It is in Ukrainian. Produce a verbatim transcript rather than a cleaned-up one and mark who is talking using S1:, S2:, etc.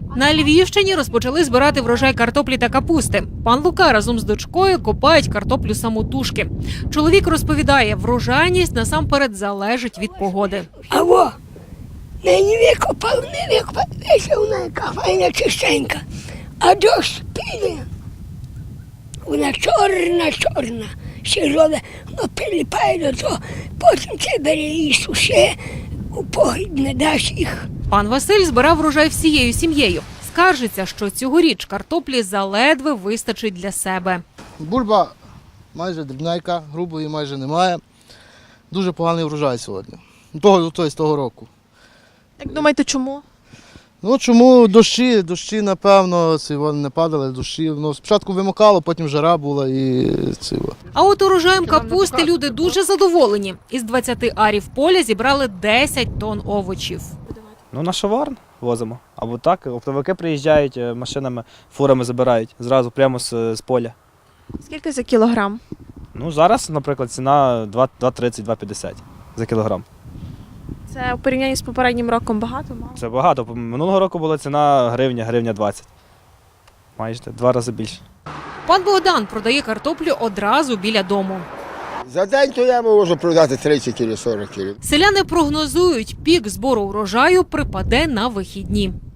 S1: На Львівщині розпочали збирати врожай картоплі та капусти. Пан Лука разом з дочкою копають картоплю самотужки. Чоловік розповідає, врожайність насамперед залежить від погоди.
S2: А во, нині викопав, не викопав, весь вона яка файна чистенька. А дощ піде, вона чорна, чорна, сірове, воно приліпає до того, потім це бере і суше, у погріб не дасть їх.
S1: Пан Василь збирав врожай всією сім'єю. Скаржиться, що цьогоріч картоплі заледве вистачить для себе.
S3: Бульба майже дрібненька, грубої майже немає. Дуже поганий врожай сьогодні. Того, тобто, з того року.
S4: Як думаєте, чому?
S3: Ну чому дощі, дощі, напевно, ці, вони не падали, дощі. Ну, спочатку вимокало, потім жара була і ці.
S1: А от урожаєм капусти люди дуже задоволені. Із двадцяти арів поля зібрали десять тонн овочів.
S5: Ну, на шоварн возимо. Або так, оптовики приїжджають е, машинами, фурами забирають зразу прямо з, з поля.
S4: Скільки за кілограм?
S5: Ну, зараз, наприклад, ціна два тридцять - два п'ятдесят за кілограм.
S4: Це у порівнянні з попереднім роком багато, мало?
S5: Це багато. Минулого року була ціна гривня, гривня двадцять. Майже два рази більше.
S1: Пан Богдан продає картоплю одразу біля дому.
S6: За день то я можу продати тридцять чи сорок кілів.
S1: Селяни прогнозують, пік збору врожаю припаде на вихідні.